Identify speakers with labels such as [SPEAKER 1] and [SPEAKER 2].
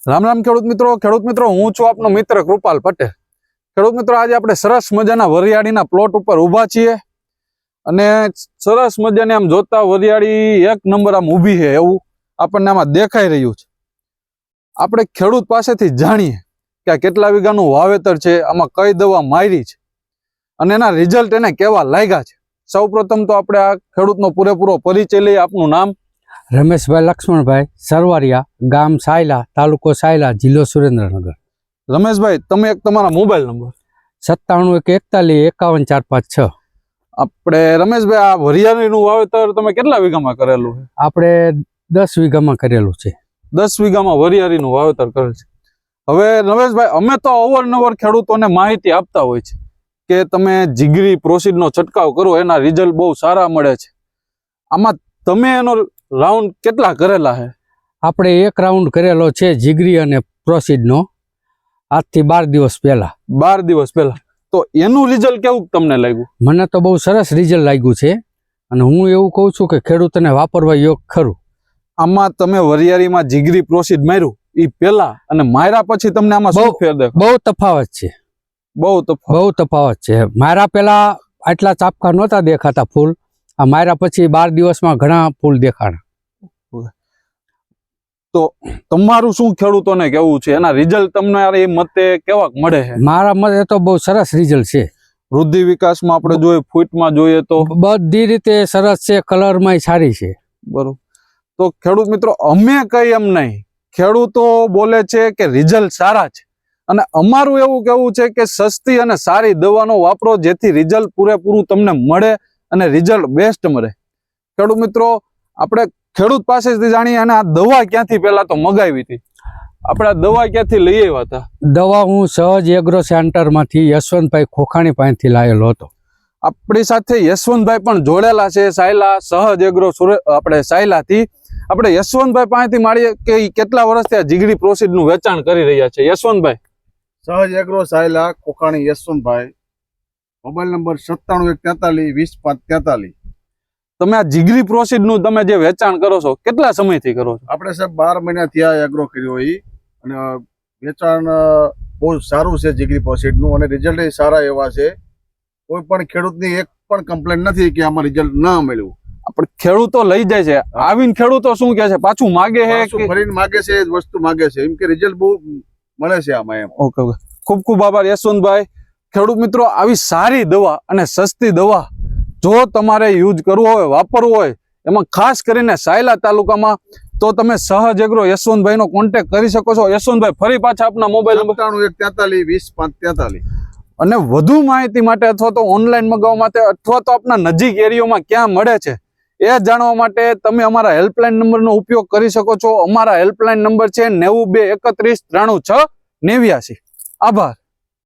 [SPEAKER 1] રામ રામ ખેડૂત મિત્રો હું છું આપનો મિત્ર કૃપાલ પટેલ। ખેડૂત મિત્રો આજે આપણે સરસ મજાના વરિયાળીના પ્લોટ ઉપર ઊભા છીએ અને સરસ મજાને આમ જોતા વરિયાળી એક નંબર આમ ઊભી છે એવું આપણને આમાં દેખાઈ રહ્યું છે। આપણે ખેડૂત પાસેથી જાણીએ કે આ કેટલા વીઘાનું વાવેતર છે, આમાં કઈ દવા મારી છે અને એના રિઝલ્ટ એને કેવા લાગ્યા છે। સૌપ્રથમ તો આપણે આ ખેડૂતનો પૂરેપૂરો પરિચય લઈએ। આપનું નામ?
[SPEAKER 2] રમેશભાઈ લક્ષ્મણભાઈ સરવારિયા, ગામ સાયલા, તાલુકો સાયલા, જિલ્લો સુરેન્દ્રનગર।
[SPEAKER 1] રમેશભાઈ, તમે એક તમારા મોબાઈલ નંબર?
[SPEAKER 2] 9741415456।
[SPEAKER 1] આપણે રમેશભાઈ આ વરિયાળીનું વાવેતર તમે કેટલા વીઘામાં કરેલું છે?
[SPEAKER 2] આપણે 10 વીઘામાં કરેલું છે।
[SPEAKER 1] 10 વીઘામાં વરિયાળીનું વાવેતર કરેલ છે। હવે રમેશભાઈ, અમે તો અવારનવાર ખેડૂતોને માહિતી આપતા હોય છે કે તમે જીગરી પ્રોસીડનો છંટકાવ કરો, એના રિઝલ્ટ બહુ સારા મળે છે। આમાં તમે એનો રાઉન્ડ કેટલા કરેલા છે?
[SPEAKER 2] આપણે એક રાઉન્ડ કરેલો છે જીગરી અને પ્રોસીડનો, આજથી 12 દિવસ પહેલા।
[SPEAKER 1] 12 દિવસ પહેલા। તો એનું રિઝલ્ટ કેવું તમને લાગ્યું?
[SPEAKER 2] મને તો બહુ સરસ રિઝલ્ટ લાગ્યું છે અને હું એવું કહું છું કે ખેડૂતોને વાપરવા યોગ્ય ખરું।
[SPEAKER 1] આમાં તમે વરિયાળીમાં જીગરી પ્રોસીડ માર્યું એ પહેલા અને માર્યા પછી તમને આમાં શું ફેર દેખાય?
[SPEAKER 2] બહુ તફાવત છે, બહુ તફાવત છે। મારા પહેલા આટલા ચાપકા નહોતા દેખાતા ફૂલ, આ માર્યા પછી 12 દિવસમાં ઘણા ફૂલ દેખાણા।
[SPEAKER 1] તો તમારું શું ખેડૂતોને કેવું છે, એના રિઝલ્ટ તમને એ મતે કેવા મળે છે?
[SPEAKER 2] મારા મતે તો બહુ સરસ રિઝલ્ટ છે।
[SPEAKER 1] વૃદ્ધિ વિકાસમાં આપણે જોઈએ, ફૂટમાં જોઈએ તો
[SPEAKER 2] બધી રીતે સરસ છે, કલરમાં સારી છે।
[SPEAKER 1] બરોબર। તો ખેડૂત મિત્રો, અમે કઈ એમ નહીં, ખેડૂતો બોલે છે કે રિઝલ્ટ સારા છે અને અમારું એવું કહેવું છે કે સસ્તી અને સારી દવાનો વાપરો, જેથી રિઝલ્ટ પૂરેપૂરું તમને મળે અને રિઝલ્ટ બેસ્ટ મળે। ખેડૂત મિત્રો, આપણે ખેડૂત પાસેથી જાણીએ અને આ દવા ક્યાંથી પહેલા તો મગાવી હતી, આપણે આ દવા ક્યાંથી લઈ આવ્યા હતા?
[SPEAKER 2] દવા હું સહજ એગ્રો સેન્ટરમાંથી યશવંતભાઈ ખોખાણી પાસેથી લાવેલો હતો।
[SPEAKER 1] આપણી સાથે યશવંતભાઈ પણ જોડેલા છે, સાયલા સહજ એગ્રો આપણે સાયલાથી। આપણે યશવંતભાઈ પાસેથી માળીએ કે કેટલા વર્ષથી આ જીગરી પ્રોસીડનું વેચાણ કરી રહ્યા છે। યશવંતભાઈ?
[SPEAKER 3] સહજ એગ્રો સાયલા, કોખાણી યશવંતભાઈ, મોબાઈલ નંબર 9714420543।
[SPEAKER 1] તમે આ જીગરી પ્રોસીડનું તમે જે વેચાણ કરો છો કેટલા સમયથી કરો છો?
[SPEAKER 3] આપણે સાહેબ 12 મહિના થયા એગ્રો કર્યો એ, અને વેચાણ બહુ સારું છે જીગરી પ્રોસીડનું અને રિઝલ્ટ સારા એવા છે। કોઈ પણ ખેડૂતની એક પણ કમ્પ્લેન નથી કે આમાં રિઝલ્ટ ના મળ્યું।
[SPEAKER 1] આપણે ખેડૂતો લઈ જાય છે, આવીને ખેડૂતો શું કહે છે, પાછું માગે છે કે
[SPEAKER 3] ફરીને માગે છે, વસ્તુ માગે છે, એમ કે રિઝલ્ટ બહુ મળે છે આમાં એમ।
[SPEAKER 1] ઓકે, ખૂબ ખૂબ આભાર યશવંતભાઈ। ખેડૂત મિત્રો, આવી સારી દવા અને સસ્તી દવા જો તમારે યુઝ કરવું હોય, વાપરવું હોય, એમાં ખાસ કરીને સાયલા તાલુકામાં, તો તમે સહજ એગ્રો યશવંતભાઈનો કોન્ટેક્ટ કરી શકો છો। યશવંતભાઈ, ફરી પાછા આપના મોબાઈલ નંબર?
[SPEAKER 3] 9714420543।
[SPEAKER 1] અને વધુ માહિતી માટે અથવા તો ઓનલાઈન મગાવવા માટે અથવા તો આપના નજીક એરિયામાં ક્યાં મળે છે એ જાણવા માટે તમે અમારા હેલ્પલાઇન નંબરનો ઉપયોગ કરી શકો છો। અમારા હેલ્પલાઇન નંબર છે 9231396989। આભાર।